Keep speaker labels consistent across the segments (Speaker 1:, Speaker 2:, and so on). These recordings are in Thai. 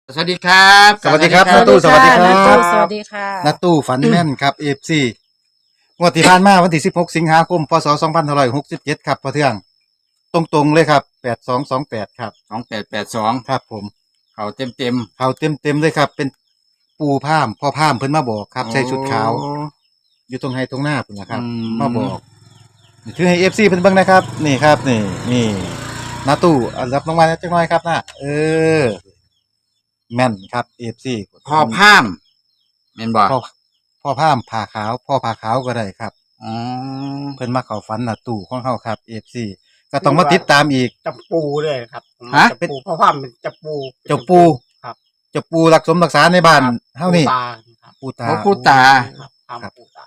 Speaker 1: สวัสดีครับ
Speaker 2: สวัสดีครับ
Speaker 3: สวัสดี
Speaker 2: สวัสดี
Speaker 3: ค่ะ
Speaker 2: ครับ
Speaker 3: น้าตู้สวัสดีค่ะ
Speaker 2: นาตู้ฝันแม่นครับเอฟซีงวดที่ผ่านมาวันที่16สิงหาคมพศ2567ครับพอเทืองตรงๆเลยครับ8228ครับ
Speaker 1: 2882
Speaker 2: ครับผม
Speaker 1: เขาเต็ม
Speaker 2: เขาเต็มเลยครับ เป็นปูพามพ่อพามเพิ่นมาบอกครับใส่ชุดขาว อยู่ตรงไฮตรงหน้าพุ่นนะครับมาบอกนี่คือให้เอฟซีเพิ่นเบิ่งนะครับ นี่ครับ นี่นาตู้รับรางวัลจักหน่อยครับนะแม่นครับเอฟซี
Speaker 1: พ่อพามแม่นบ่
Speaker 2: พ่อพามผ่าขาวพ่อผ่าขาวก็ได้ครับ
Speaker 1: อ๋อ
Speaker 2: เพิ่นมาเข้าฝันน่ะตู่ของเฮาครับ FC ก็ต้องมาติดตามอีก
Speaker 4: จับปูเลยครับผม
Speaker 1: ฮะ
Speaker 4: จับปูเพราะว่ามันจับปู
Speaker 2: เจ้าปู
Speaker 4: ครับ
Speaker 2: เจ้าปูรักสมรักษาในบ้านเฮานี่
Speaker 4: ปูตาครับ
Speaker 2: ปูตา
Speaker 1: พ่อผู้ตา
Speaker 4: ครับทำปูตา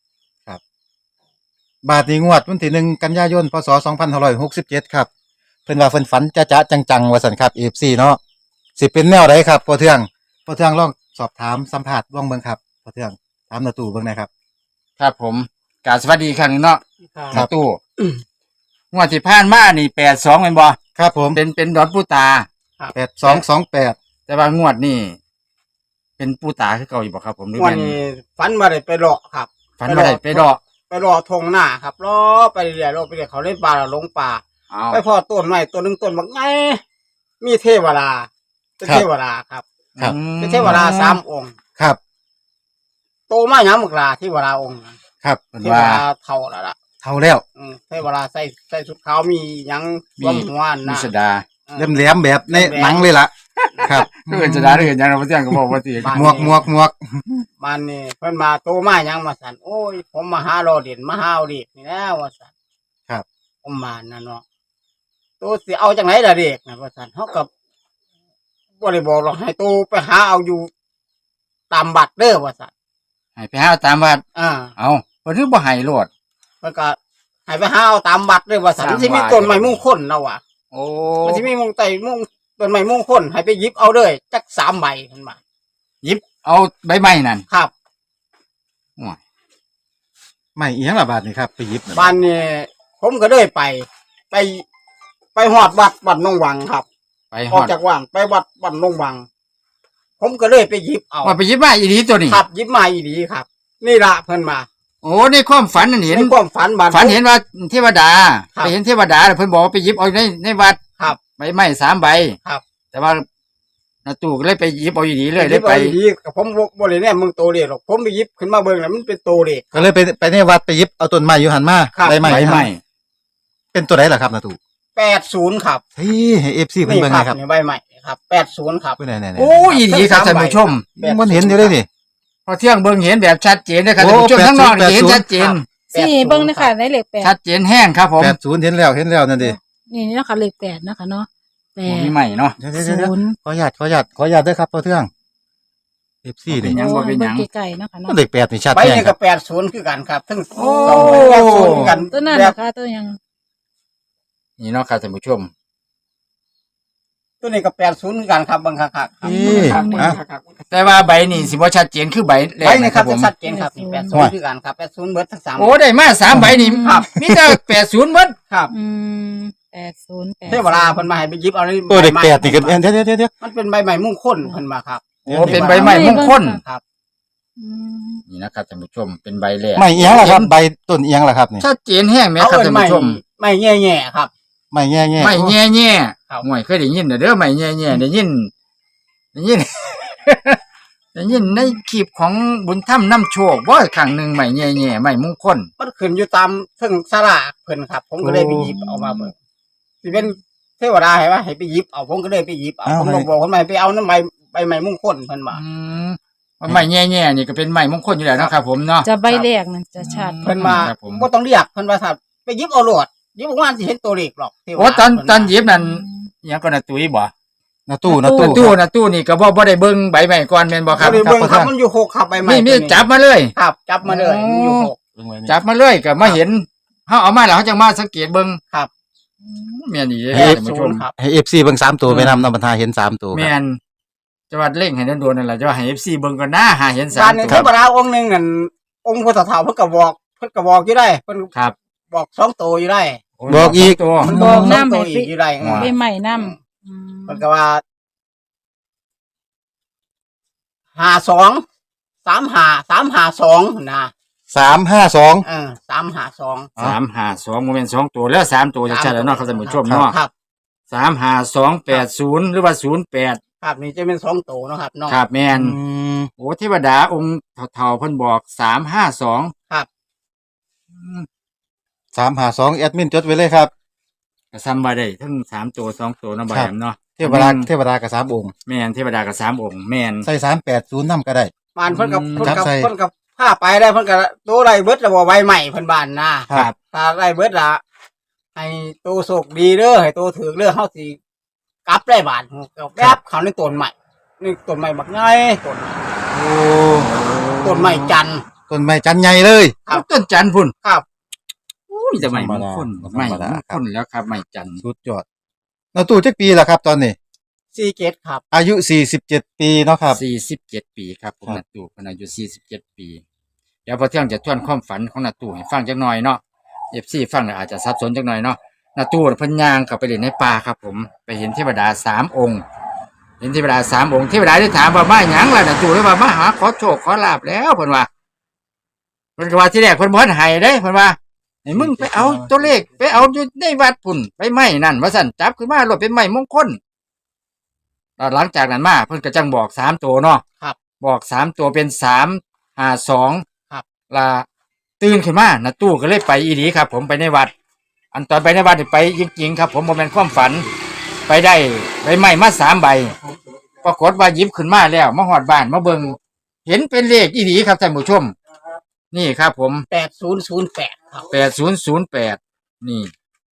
Speaker 2: บาทนี้งวดวันที่1กันยายนพศ2567ครับเพิ่นว่าเพิ่นฝันจะจังๆว่าซั่นครับ FC เนาะสิเป็นแนวใดครับพ่อเทืองลองสอบถามสัมภาษณ์ลองเบิ่งครับพ่อเทืองถามนาตู่เบิ่งหน่อยครับ
Speaker 1: ครับผมกราบสวัสดีอีกครั้งหนึงเนาะ
Speaker 2: ครั
Speaker 1: นา
Speaker 2: บ
Speaker 1: ตู้งวดที่ผ่านมานี่82แม่นบ่
Speaker 2: ครับผม
Speaker 1: เป็นดอนผู้ตา
Speaker 2: 8228
Speaker 1: แต่ว่างวดนี่เป็นผู้ตาคือเก่าอยู่บ่ครับผมหรือ
Speaker 4: วัน
Speaker 1: แม่น
Speaker 4: นี้ฝันมาได้ไปเลาะครับ
Speaker 1: ฝันบ่ได้ไปดอก
Speaker 4: ไปเลาะทงหน้าครับเลาะไปเรื่อยๆเลาะไปเรื่อยเขาเล่นปลาแล้วลงป่า
Speaker 1: เอา
Speaker 4: ไปพอต้นไม้ต้นหนึงต้นบักไงมีเทวดาเป็นเทวดาครับ
Speaker 2: ครับ
Speaker 4: เป็นเทวดา3 องค์
Speaker 2: ครับ
Speaker 4: โตมาหยังบักลาเทวดาองค์นั้น
Speaker 2: ครับ
Speaker 1: เพิ่น
Speaker 4: เทว
Speaker 1: ว่า
Speaker 4: ดาเท่าแล้วล่ะ
Speaker 2: เท่าแล้ว
Speaker 4: เทวดาใส่ชุดขาวมีหยังรวมหัว
Speaker 1: มี
Speaker 4: นะ
Speaker 1: สดา
Speaker 2: แหลมๆแบบในหนังเลยล่ะครับ
Speaker 1: เพิ่นสดาหรือหยังเราบ่เที่ยงก็บอกว่าสิ
Speaker 4: บ้าน
Speaker 2: หมวก
Speaker 4: มันนี่เพิ่นมาโตมาหยังมาสั่นโอ้ยผมมาหารอเด่นมาหาเอาเด็กนี่แล้วว่าสั่น
Speaker 2: ครับ
Speaker 4: ผมมานั่นเนาะตัวสิเอาจังไหนล่ะเด็กนะว่าสั่นเฮากับบ่ได้บอกหรอกให้โตไปหาเอาอยู่ตามบัตรเด้อว่าสั่น
Speaker 1: ให้ไปหาตามวัด
Speaker 4: อ่า
Speaker 1: เอาเพิ่นคือบ่ให้โลด
Speaker 4: เพิ่นก็ให้ไปหาเอาตามบัตรเด้อว่าสั่น
Speaker 1: ตาม
Speaker 4: มันสิมี
Speaker 1: บัตร
Speaker 4: ต้นไม้มงคลเนาะว่ะ
Speaker 1: โอ้
Speaker 4: มันสิมีมงไต้มงต้นไม้มงคลให้ไปหยิบเอาเด้อจัก3ใบเพิ่นว่า
Speaker 1: หยิบเอาใบไม้นั่น
Speaker 4: ครับ
Speaker 2: ไม่เอียงละบาทนี่ครับไปหยิบน่ะ
Speaker 4: บ้านนี่ผมก็เลยไปไปฮอดวัดหนองวังครับ
Speaker 1: ไปฮ
Speaker 4: อ
Speaker 1: อ
Speaker 4: อก
Speaker 1: ด
Speaker 4: จากว่างไปวัดหนองวัง ผมก็เลยไปหยิบเอา
Speaker 1: ว่าไปหยิบมาอีดีตัวนี้
Speaker 4: ครับหยิบมาอีดีครับ นี่ละเพิ่นมา
Speaker 1: โอ้ในความฝันนั่นเห็น
Speaker 4: ในความฝันบ้าน
Speaker 1: ฝันเห็นว่าเทวดา
Speaker 4: ครับ
Speaker 1: ไปเห็นเทวดาแล้วเพิ่นบอกว่าไปหยิบเอาในวัด
Speaker 4: ครับ
Speaker 1: ใบไม้3 ใบ
Speaker 4: ครับ
Speaker 1: แต่ว่านาตู่ก็เลยไปหยิบเอาอีดีเลย
Speaker 4: ห
Speaker 1: เล
Speaker 4: ยิ
Speaker 1: ย
Speaker 4: บ
Speaker 1: ไป
Speaker 4: เอาอีดีกับผมบ่ได้แน่มึงโตเด็กหรอกผมไปหยิบขึ้นมาเบิ่งแล้วมันเป็นโตเด็ก
Speaker 2: ก็เลยไปในวัดไปหยิบเอาต้นไม้อยู่หันมา
Speaker 4: ครับ
Speaker 2: ใบไม้
Speaker 1: ใบไม้
Speaker 2: เป็นตัวไหนล่ะครับนาตู่
Speaker 4: 80ครับ
Speaker 2: เฮ้ยให้ FC เพิ่น
Speaker 4: นี่
Speaker 2: เบิ่ง
Speaker 4: ค
Speaker 2: ห
Speaker 4: รั
Speaker 2: น่อยครับ
Speaker 4: นี่ใบใหม่ครับ80ครับ
Speaker 2: เพิ่นไหนๆๆ
Speaker 1: โอ้อีดีครับท่านผู้ชม
Speaker 2: มันเห็นอยู่เลยนี่
Speaker 1: พอเที่ยงเบิ่งเห็นแบบชัดเจนนะครับ
Speaker 2: โอ้
Speaker 1: ท่านผู้ชมทั้งนอกนี่เห็น
Speaker 2: 80
Speaker 1: ชัดเจน
Speaker 3: สี่เบิ้งนะคะในเลขแปด
Speaker 1: ชัดเจนแห้งครับผม
Speaker 2: 80เห็นแล้วนั่นดิ
Speaker 3: นี่นะคะเลขแปดนะคะเนาะแป
Speaker 1: บ่
Speaker 3: ด
Speaker 1: มีใหม่เนาะ
Speaker 2: เดี๋ยว
Speaker 3: ศูนย์
Speaker 2: ขออนุญาตด้วยครับพ่อเทือง FC
Speaker 1: เป็
Speaker 2: นี่
Speaker 1: นหยังบ่เป็นหยัง
Speaker 3: เบิ่ไกลๆเนาะค่ะเนาะ
Speaker 2: มันเลข8นี่ชัด
Speaker 4: ใบ
Speaker 2: แน่
Speaker 4: นี่
Speaker 2: ค
Speaker 4: ก็
Speaker 2: รับ
Speaker 4: 80คือกันครับทั้ง
Speaker 1: โอ้
Speaker 4: สองใบ80คือกัน
Speaker 3: ตัวนั้น
Speaker 4: แบบ
Speaker 3: นะคะตัวยัง
Speaker 1: นี่เนาะครับท่านผู้ชม
Speaker 4: ตัวนี้ก็80คือกันครับเบิ่งคักๆครับ
Speaker 2: นี่
Speaker 4: ครับ
Speaker 2: อ่ะ
Speaker 4: คักๆ
Speaker 1: แต่ว่าใบนี่สิบ่ชัดเจนคือใบแร
Speaker 4: ใบ
Speaker 1: ก
Speaker 4: นี่
Speaker 1: นะ
Speaker 4: ค
Speaker 1: ค
Speaker 4: รั
Speaker 1: รั
Speaker 4: บบ
Speaker 1: ผม
Speaker 4: จะชัดเจนครับนี่
Speaker 2: โอ้ย
Speaker 4: 80คือกันครับ80เบิดทั้ง3
Speaker 1: โอ้ได้มา3 ใบนี่
Speaker 4: ครับ
Speaker 1: มีแต่80เบิด
Speaker 4: ครับ
Speaker 3: อืม80
Speaker 4: เทวดาเพิ่นมาให้ไปหยิบเอาใน
Speaker 2: ตัวเลข
Speaker 4: ใบไม้
Speaker 2: 8นี่ก็เดี๋ยว
Speaker 4: มันเป็นใบใหม่มงคลเพิ่นมาครับ
Speaker 1: โอ้เป็นใบไม้มงคล
Speaker 4: ครับ
Speaker 3: อืม
Speaker 1: นี่นะครับท่านผู้ชมเป็นใบแรก
Speaker 2: ไม่เอียงล่ะครับใบต้นเอียงล่ะครับนี่
Speaker 1: ชัดเจนแห้งไหมครับท่านผู้ชม
Speaker 4: ไม่แง่ๆครับ
Speaker 2: ไม่แง่
Speaker 1: ไม่แง่แง่
Speaker 4: ครับ
Speaker 1: ห่วยเคยได้ยินเด้อไม่แง่แง่ได้ยิน ได้ยินในคลิปของบุญถ้ำน้ำโชคบ่ครั้งหนึ่งไม่แง่แง่ไม่มงคล
Speaker 4: มันขึ้นอยู่ตามซึ่งสลากเพิ่นครับ ผมก็เลยไปหยิบเอามาเบิ่งสิเป็นเทวดาให้ว่าให้ไปหยิบเอาผมก็เลยไปหยิบเอาผมก็บอกคนใหม่ไปเอาน้ำใบใหม่มงคลเพิ่นว่า
Speaker 1: ว่าไม่แง่แง่นี่ก็เป็นไม่มงคลอยู่แล้วนะครับผมเนาะ
Speaker 3: จะใบแรกนั่นจะชัด
Speaker 4: เพิ่นมา
Speaker 1: ครับผม
Speaker 4: บ่ต้องเรียกเพิ่นว่าถ้าไปหยิบเอาโลดหยิบออกมาสิเห็นตัวเลขหรอกเทวดา
Speaker 1: โอ้ตอน
Speaker 4: เพิ่ว่า
Speaker 1: ตอนหยิบนั่นอิหยังก็น่ะตุ้ยบ่
Speaker 2: ๆนาตู้
Speaker 1: ตู้นี่ก็บ่ได้เบิ่งใบไม้ก่อนแม่นบ่ครับ
Speaker 4: เอาไปเบิ่งครับมันอยู่หกครับใบใหม่
Speaker 1: นี่
Speaker 4: ตัว
Speaker 1: จับมาเลย
Speaker 4: ครับจับมาเลยมันอยู่หก
Speaker 1: จับมาเลยก็มาเห็นเฮาเอามาแล้วเฮาจังมาสังเกตเบิ่ง
Speaker 4: ครับ
Speaker 1: แม่นอีเด้อ
Speaker 4: แปด
Speaker 1: ท่าน
Speaker 4: ศู
Speaker 1: ผู้ช
Speaker 4: น
Speaker 1: ม
Speaker 4: ย์ครับ
Speaker 2: ให้ FC เบิ่ง3ตัวไปนำบรรทาเห็น3ตัวค
Speaker 1: แม่
Speaker 2: รับ
Speaker 1: นจะว่าเร่งให้โดนๆนั่นล่ะจะว่าให้ FC เบิ่งก่อนนะหาเห็น
Speaker 4: บ้าน
Speaker 1: 3
Speaker 4: หนึง
Speaker 1: ตั
Speaker 4: เท
Speaker 1: ว
Speaker 4: วดาองค์หนึงนั่นองค์พุทธเถาเพิ่นก็บอกอยู่ได้เพิ่น
Speaker 1: ครับ
Speaker 4: บอก2ตัวอยู่ได้
Speaker 2: บอกอีก
Speaker 1: ตัว
Speaker 3: บอก
Speaker 4: สง
Speaker 3: น้ำ
Speaker 4: ตัว
Speaker 3: ให้
Speaker 4: อีกอยู่ได้
Speaker 3: ใบใหม่น้ำ
Speaker 4: เพิ่นก็ว่า 352นะ
Speaker 2: 352
Speaker 4: 352
Speaker 1: 352โมเมนต์2ตัวแล้ว3ตัวจะใช่แล้วเนาะครับท่านผู้ชมเนาะ
Speaker 4: ครับ
Speaker 1: 35280หรือว่า08
Speaker 4: ครับนี่จะเป็น2ตัวเนาะครับเนาะ
Speaker 1: ครับแม่น
Speaker 2: อืม
Speaker 1: โอ้เทวดาองค์เฒ่าๆเพิ่นบอก352
Speaker 4: ครับ
Speaker 2: 352แอดมินจดไว้เลยครับ
Speaker 1: ก็ซ้ำว่าได้ทั้ง3ตัว2ตัวเนาะบ่แอมเนาะ
Speaker 2: เทวดากับ3องค์
Speaker 1: แม่นเทวดาก็3องค์แม่น
Speaker 2: ใส่380นำก็ได้
Speaker 4: บ้านเพิ่นกับ
Speaker 2: จับใส่
Speaker 4: เพิ่นกับพาไปได้เพิ่นกับตัวไรเบิดแล้วบ่ใบใหม่เพิ่นบ้านนะครับ ถ้าไรเบิดละให้ตัวโชคดีเด้อให้ตัวถือเด้อเฮาสิกลับได้บ้านก็แป๊บเขาในต้นใหม่นี่ต้นใหม่บักใหญ่ต้น
Speaker 2: โอ้
Speaker 4: ต้นใหม่จันทร์
Speaker 2: ต้นไม้จันใหญ่เลย
Speaker 4: ครับ
Speaker 1: ต้นจันทร์พุ่น
Speaker 4: ครับ
Speaker 1: มีแต่ใหม่มงคล
Speaker 2: ธรรมดา
Speaker 1: ใหม่มงคลแล้วครับใหม่จันทร์
Speaker 2: สุดยอดนาตู้จักปีล่ะครับ ตอนนี้
Speaker 4: 47ครับ
Speaker 2: อายุ47ปีเนาะครับ
Speaker 1: 47 ปีครับผม
Speaker 2: ครับ
Speaker 1: นาตู่เพิ่นอายุ47 ปี เดี๋ยวพอเที่ยงจะทวนความฝันของนาตู่ให้ฟังจักหน่อยเนาะ FC ฟังแล้วอาจจะสับสนจักหน่อยเนาะนาตู่เพิ่นย่างเข้าไปเล่นในป่าครับผมไปเห็นเทวดา3องค์เห็นเทวดา3องค์เทวดาได้ถามว่ามาหยังล่ะนาตู่เลยว่ามาหาขอโชคขอลาภแล้วเพิ่นว่าเพิ่นก็ว่าที่แรกเพิ่นบ่ทันให้เด้เพิ่นว่าให้มึงไปเอาตัวเลขไปเอาอยู่ในวัดพุ่นไปไม้นั่นว่าซั่นจับขึ้นมาโลดเป็นไม้มงคล แล้วหลังจากนั้นมาเพิ่นก็จังบอก3ตัวเนาะ
Speaker 4: ครับ
Speaker 1: บอก3ตัวเป็น352
Speaker 4: ครับ
Speaker 1: ล่ะตื่นขึ้นมานะตู้ก็เลยไปอีหลีครับ ผมไปในวัด อันตอนไปในวัดนี่ไปจริงๆครับ ผมบ่แม่นความฝัน ไปได้ใบไม้มา3ใบปรากฏว่าหยิบขึ้นมาแล้วมาฮอดบ้านมาเบิ่งเห็นเป็นเลขอีหลีครับท่านผู้ชม นี่ครับผม
Speaker 4: 8008ครับ
Speaker 1: 8008นี่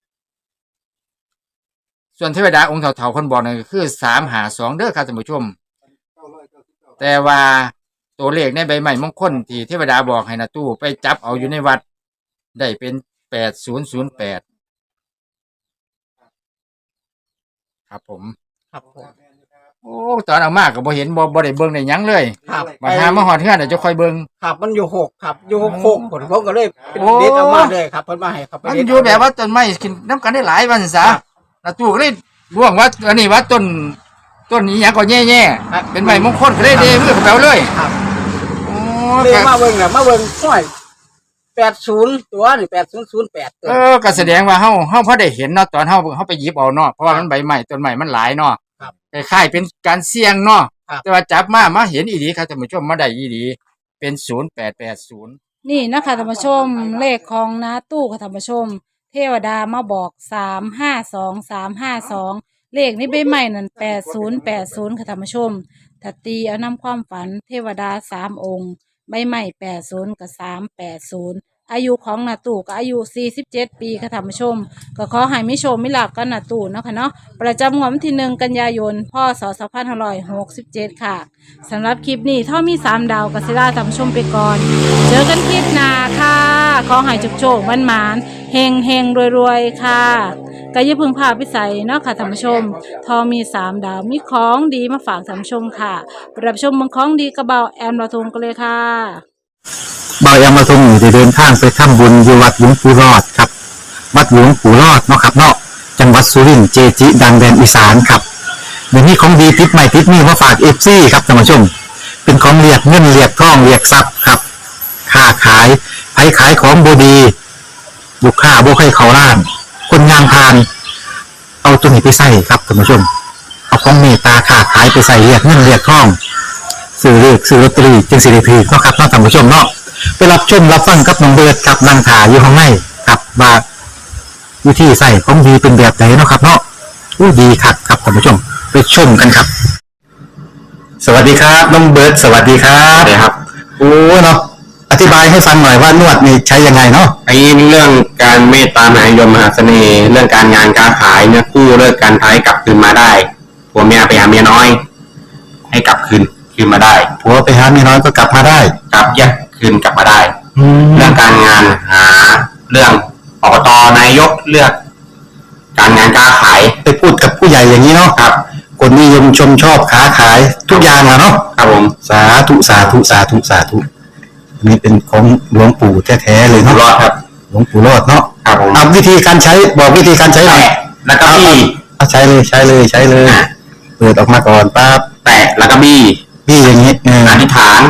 Speaker 1: ส่วนเทวดาองค์เฒ่าๆคนบอกนั่นก็คือ352เด้อครับท่านผู้ชม แต่ว่าตัวเลขในใบไม้มงคลที่เทวดาบอกให้นะตู้ไปจับเอาอยู่ในวัด ได้เป็น8008ครับผม
Speaker 4: ครับผม
Speaker 1: โอ้ตอนเอามากก็บ่เห็นบ่ได้เบิ่งได้หยังเลย
Speaker 4: ครับ
Speaker 1: มาหามาฮอดเฮือนเดี๋ยวจะค่อยเบิ่ง
Speaker 4: ครับมันอยู่6ครับอยู่6ผมก็เลยเป็น
Speaker 1: โอ้
Speaker 4: เด็ดออกมาเลยครับเพิ่นมาให้ครับ
Speaker 1: มันอยู่แบบว่าต้นไม้กินน้ำกันได้หลายวันซะนะตู้ก็เลยร่วงว่าอันนี้ว่าต้นนี้หยังก็แย่ๆเป็นไม้มงคลก็เลยเด้มือกับเราเลย
Speaker 4: ครับ
Speaker 1: โอ้
Speaker 4: เลย
Speaker 1: ก็
Speaker 4: มาเบิ่งน่ะมาเบิ่งห้อย80ตัวนี่8008ตัว
Speaker 1: ก็แสดงว่าเฮาพอได้เห็นเนาะตอนเฮาไปหยิบเอาเนาะเพราะว่ามันใบใหม่ต้นใหม่มันหลายเนาะ
Speaker 4: ครับ
Speaker 1: คล้ายๆเป็นการเสี่ยงเนาะ
Speaker 4: ครับ
Speaker 1: แต่ว่าจับมาเห็นอีหลีครับท่านผู้ชมมาได้อีหลีเป็น0880
Speaker 3: นี่นะคะท่านผู้ชมเลขของน้าตู้ค่ะท่านผู้ชม เทวดามาบอก352เลขนี้ใบใหม่นั่น8080ค่ะท่านผู้ชมถ้าตีเอานำความฝันเทวดา3องค์ใบใหม่80กับ380อายุของนาตู่ก็อายุ47 ปีค่ะท่านผู้ชม ก็ขอให้มิโชคมิลาภกันนาตู่เนาะค่ะเนาะประจำงวดวันที่1 กันยายนพศ2567ค่ะสำหรับคลิปนี้ถ้ามี3ดาวกัสิลาท่านผู้ชมไปก่อน เจอกันคลิปหน้าค่ะขอให้โชคๆมันๆเฮงๆรวยๆค่ะก็อย่าเพึ่งพาพิสัยเนาะค่ะท่านผู้ชมทอมี3ดาวมีของดีมาฝากท่านผู้ชมค่ะไปรับชมเมืองของดีกระเบาแอมลาทงกันเลยค่ะ
Speaker 5: บายามาทรงอยู่ได้เดินทางไปทำบุญอยู่วัดหลวงปู่รอดครับ วัดหลวงปู่รอดเนาะครับเนาะจังหวัดสุรินทร์เจจิ ดังแดนอีสานครับเดี๋ยวนี้ของดีติดใหม่ติดนี่มาฝากเอฟซีครับท่านผู้ชม เป็นของเรียกเงินเรียกทองเรียกทรัพย์ครับค้าขายไผขายของบดีลูกค้าบ่ให้เขาล้าน คนงานพาน เอาตัวนี้ไปใส่ครับท่านผู้ชม เอาของเมตตาค้าขายไปใส่เรียกเงินเรียกทองซื้อเลขซื้อลอตเตอรี่จึงสิริพีเนาะครับเนาะท่านผู้ชมเนาะไปรับชมรับฟังกับน้องเบิร์ดกับนางถาอยู่ข้างในกับว่าวิธีใส่ของดีเป็นแบบไหนเนาะครับเนาะอู้ดีคักครับท่านผู้ชมไปชมกันครับ สวัสดีครับน้องเบิร์ดสวัสดีครับสวัสดีครับโอ้เนาะอธิบายให้ฟังหน่อยว่านวดนี่ใช้ยังไงเนาะ
Speaker 6: ไอ้เรื่องการเมตตามหานิยมมหาเสน่ห์เรื่องการงานการขายเนี่ยกู้เลิกการท้ายกลับคืนมาได้ผัวเมียไปหาเมียน้อย ให้กลับคืนมาได้
Speaker 5: ผัวไปหาเมียน้อยก็กลับมาได้
Speaker 6: กลับแยกคืนกลับมาได้
Speaker 5: แล้
Speaker 6: เรื่
Speaker 5: ว
Speaker 6: องการงานหาเรื่องอบตนายกเลือก การงานการขาย
Speaker 5: ไปพูดกับผู้ใหญ่อย่างนี้เนาะ
Speaker 6: ครับ
Speaker 5: คนนิยมชมชอบค้าขายทุกอย่างอะเนาะ
Speaker 6: ครับผม
Speaker 5: สาธุสาธุสาธุสาธุอันนี้เป็นของหลวงปู่แท้ๆเลย
Speaker 6: อยู่
Speaker 5: เนาะ
Speaker 6: รอดครับ
Speaker 5: หลวงปู่รอดเนาะ
Speaker 6: ครับผม
Speaker 5: เอาวิธีการใช้บอกวิธีการใช้หน่อย
Speaker 6: แตะแล้วก็บี้
Speaker 5: เอาใช้เลยใช้เลยเปิดออกมาก่อนปั๊บ
Speaker 6: แตะแล้วก็บี้
Speaker 5: พี่อย่างนี้
Speaker 6: อธิษฐาน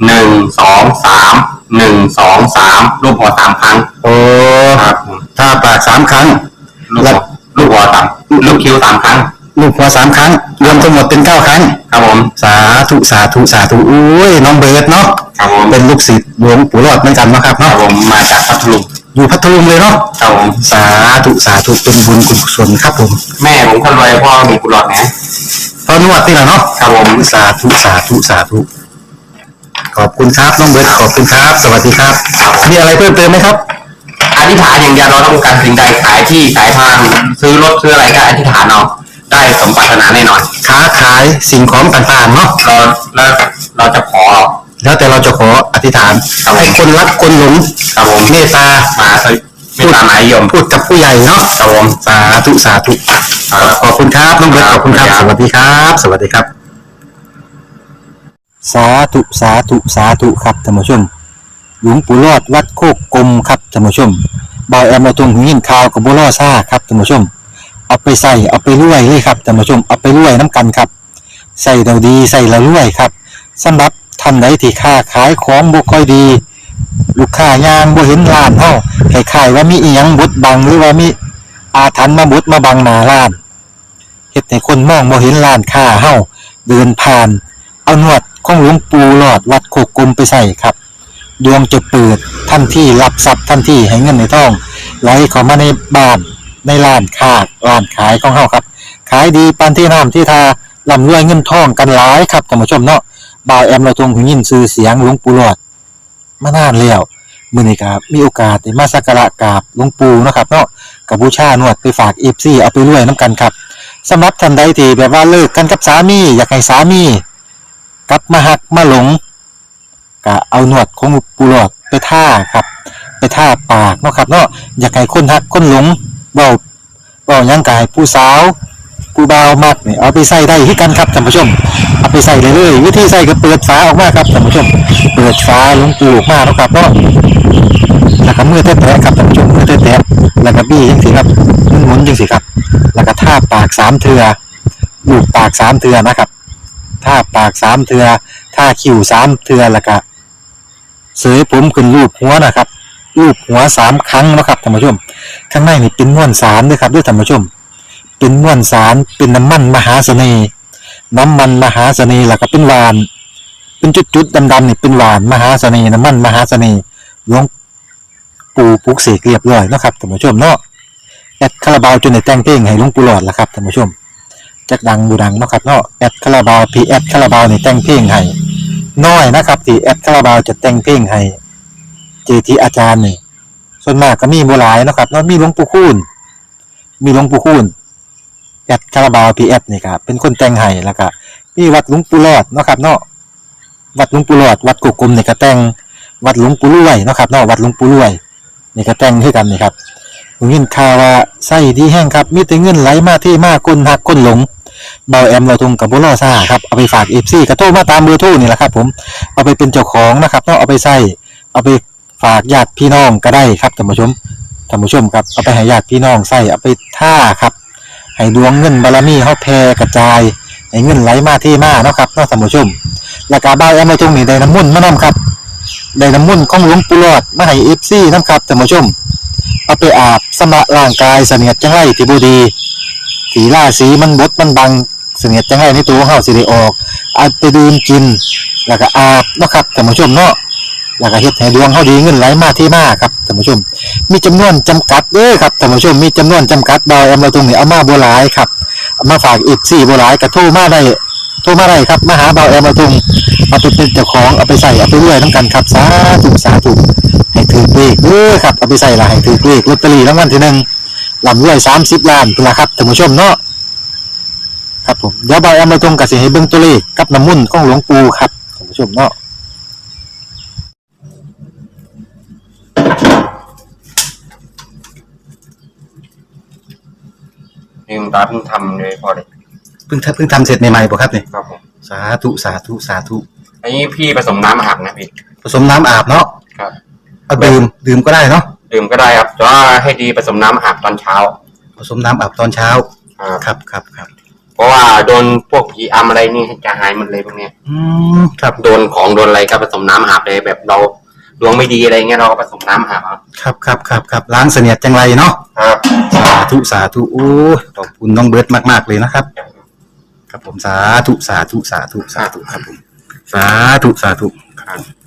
Speaker 6: 1 2 3 รูปหัว3ครั้ง
Speaker 5: โอ้
Speaker 6: ครับ
Speaker 5: ถ้าปาก3 ครั้ง
Speaker 6: ลูกหัวลูกคิ้ว3 ครั้ง
Speaker 5: ลูกหัว3 ครั้งรวมทั้งหมดเป็น9 ครั้ง
Speaker 6: ครับผม
Speaker 5: สาธุอุ้ยน้องเบิร์ดเนาะ
Speaker 6: ครับผม
Speaker 5: เป็นลูกศิษย์หลวงปู่รอดเหมือนกันนะครับ
Speaker 6: ครั
Speaker 5: เนาะ
Speaker 6: บผมมาจากพัทลุง
Speaker 5: อยู่พัทลุงเลยเนาะ
Speaker 6: ครับผม
Speaker 5: สาธุเป็นบุญกุศลครับผม
Speaker 6: แม่ผมคนรวยพ่อมีกุหลาบนะ
Speaker 5: ตอนนวดนี่แหละเนาะ
Speaker 6: ครับผม
Speaker 5: สาธุขอบคุณครับน้องเบิร์ดขอบคุณครับสวัสดีครับมีอะไรเพิ่มเติมไหมครับ
Speaker 6: อธิษฐานอย่างเดียวเราต้องการสิ่งใดขายที่ขายทางซื้อรถซื้ออะไรก็อธิษฐานเอาได้สมปรารถนาแน่นอน
Speaker 5: ค้าขายสิ่งของต่างๆเนาะ
Speaker 6: เราจะขอ
Speaker 5: แล้วแต่เราจะขออธิษฐานให้คนรักคนหลง
Speaker 6: ครับผม
Speaker 5: เมตตา
Speaker 6: ไม่ตามหมายยม
Speaker 5: พูดกับผู้ใหญ่เนาะ
Speaker 6: ครับผม
Speaker 5: สาธุขอบคุณครับน้องเบิร์ตขอบคุณครับสวัสดีครับสาธุครับท่านผู้ชมหลวงปู่รอดวัดโคกกลมครับท่านผู้ชมบ่าวแอมเราตรงหูยินข่าวกับบัวล่อซ่าครับท่านผู้ชมเอาไปใส่เอาไปรวยเลยครับท่านผู้ชมเอาไปรวยน้ำกันครับใส่เราดีใส่เรารวยครับสำหรับท่านใดที่ค้าขายของบ่ค่อยดีลูกค้ายางบ่เห็นร้านเฮาคล้ายๆว่ามีอีหยังบดบังหรือว่ามีอาถรรพ์มาบดมาบังหน้าร้านเฮ็ดให้คนมองบ่เห็นร้านค้าเฮาเดินผ่านเอานวดของหลวงปู่หลอดวัดโคกกลมไปใส่ครับดวงจะเปิดทันทีรับทรัพย์ทันทีให้เงินในท้องไหลเข้ามาในบ้านในร้านค้าร้านขายของเฮาครับขายดีปานที่น้ำที่ทาร่ำรวยเงินทองกันหลายครับท่านผู้ชมเนาะบ่าวแอมเราทรงหูยินชื่อเสียงหลวงปู่หลอดมานานแล้วมื้อนี้ครับมีโอกาสได้มาสักการะกราบหลวงปู่เนาะครับเนาะกับบูชานวดไปฝาก FC เอาไปรวยนํกันครับสำหรับท่านใดที่แบบว่าเลิกกันกับสามีอยากให้สามีกลับมาหักมาหลงก็เอาหนวดของปูหลอดไปท่าครับไปท่าปากเนาะครับเนาะอยากให้คนหักคนหลงเว้าหยังกายผู้สาวผู้บ่าวมักนี่เอาไปใส่ได้ที่กันครับท่านผู้ชมเอาไปใส่เลยวิธีใส่ก็เปิดฝาออกมาครับท่านผู้ชมเปิดฝาหลวงปู่ออกมาเนาะครับเนาะแล้วก็มือแตะๆครับท่านผู้ชมมือแตะๆแล้วก็บี้จังซี่ครับหมุนจังซี่ครับแล้วก็ท่าปาก3 เทื่อลูบปาก3 เทื่อนะครับท่าปาก3 เทื่อท่าคิ้ว3 เทื่อแล้วก็เสยผมขึ้นรูปหัวนะครับรูปหัว3 ครั้งนะครับท่านผู้ชมข้างในนี่เป็นม้วนสารด้วยครับด้วยท่านผู้ชมเป็นม้วนสารเป็นน้ำมันมหาเสน่ห์แล้วก็เป็นหวานเป็นจุดๆดำๆนี่เป็นหวานมหาเสน่ห์น้ำมันมหาเสน่ห์หลวงปู่ปลุกเสกเรียบร้อยนะครับท่านผู้ชมเนาะแอดคาราบาวจนได้แต่งเพลงให้หลวงปู่หลอดแล้วครับท่านผู้ชมจักดังบูดังเนาะครับเนาะแอดคาราบาวพีแอดคาราบาวนี่แต่งเพลงให้น้อยนะครับที่แอดคาราบาวจะแต่งเพลงให้เจทีอาจารย์นี่ส่วนมากก็มีบ่หลายนะครับเนาะมีหลวงปู่คูณแอดคาราบาวพีแอดนี่ครับเป็นคนแต่งให้แล้วก็มีวัดหลวงปู่หลอดเนาะครับเนาะวัดหลวงปู่หลอดวัดกุกกลมนี่ก็แต่งวัดหลวงปู่รวยเนาะครับเนาะวัดหลวงปู่รวยนี่ก็แต่งให้กันนี่ครับผมยินข่าวว่าไส้ดีแห้งครับมีแต่เงินไหลมาที่มาคนหักคนหลงเบาแอมเราทงกับบัวล่อซ่าครับเอาไปฝากเอฟซีกระโทรมาตามเบอร์โทรนี่แหละครับผมเอาไปเป็นเจ้าของนะครับต้องเอาไปใส่เอาไปฝากญาติพี่น้องก็ได้ครับท่านผู้ชมครับเอาไปให้ญาติพี่น้องใส่เอาไปท่าครับให้ดวงเงินบารมีเขาแผ่กระจายให้เงินไหลมาที่มาเนาะครับเนาะท่านผู้ชมแล้วก็เบาแอมเราทงนี่ได้น้ำมุ่นมานำครับได้น้ำมุ่นของหลวงปู่หลอดมาให้เอฟซีน้ำครับท่านผู้ชมเอาไปอาบสำระร่างกายเสนียดจังไรที่บุดีสีล่าสีมันบดมันบังเสนียดจังไรในตัวเฮาสิได้ออกเอาไปดื่มกินแล้วก็อาบเนาะครับท่านผู้ชมเนาะแล้วก็เฮ็ดให้ดวงเฮาดีเงินไหลมาที่มาครับท่านผู้ชมมีจำนวนจำกัดเด้อครับท่านผู้ชมมีจำนวนจำกัดบ่แอมเราตรงนี้เอามาบ่หลายครับเอามาฝากอีก4บ่หลายก็โทรมาได้ครับมาหาบ่แอมเราตรงเอาไปเป็นเจ้าของเอาไปใส่เอาไปรวยนำกันครับสาธุให้ถือเลขเด้อครับเอาไปใส่ละให้ถือเลขลอตเตอรี่รางวัลที่1ลำรวย30 ล้านพุ่นล่ะครับท่านผู้ชมเนาะครับผมเดี๋ยวบ่แอมเราตรงก็สิให้เบิ่งตัวเลขกับน้ำมนต์ของหลวงปู่ครับท่านผู้ชมเนาะ
Speaker 6: นี่คุณตาเพิ่งทำเลยพอเลย
Speaker 5: เพิ่งทำเสร็จใหม่ๆป่ะครับเนี่ย
Speaker 6: ครับผม
Speaker 5: สาธุ
Speaker 6: อันนี้พี่ผสมน้ำอาบนะพี่
Speaker 5: ผสมน้ำอาบเนาะ
Speaker 6: ครับ
Speaker 5: เอาดื่มก็ได้เนาะ
Speaker 6: ดื่มก็ได้ครับแต่ว่าให้ดีผสมน้ำอาบตอนเช้า
Speaker 5: ผสมน้ำอาบตอนเช้าครับ
Speaker 6: เพราะว่าโดนพวกผีอำอะไรนี่จะหายหมดเลยพวกเนี้ย
Speaker 5: ครับ
Speaker 6: โดนของโดนอะไรก็ผสมน้ำอาบเลยแบบเราดวงไม่ดีอะไรเงี้ยเราก็ผสมน้ำอาบเอา
Speaker 5: ครับล้างเสนียดจังไรเนาะ
Speaker 6: ครับ
Speaker 5: สาธุโอ้ยขอบคุณน้องเบิร์ตมากๆเลยนะครับครับผมสาธุครับผมสาธุครับ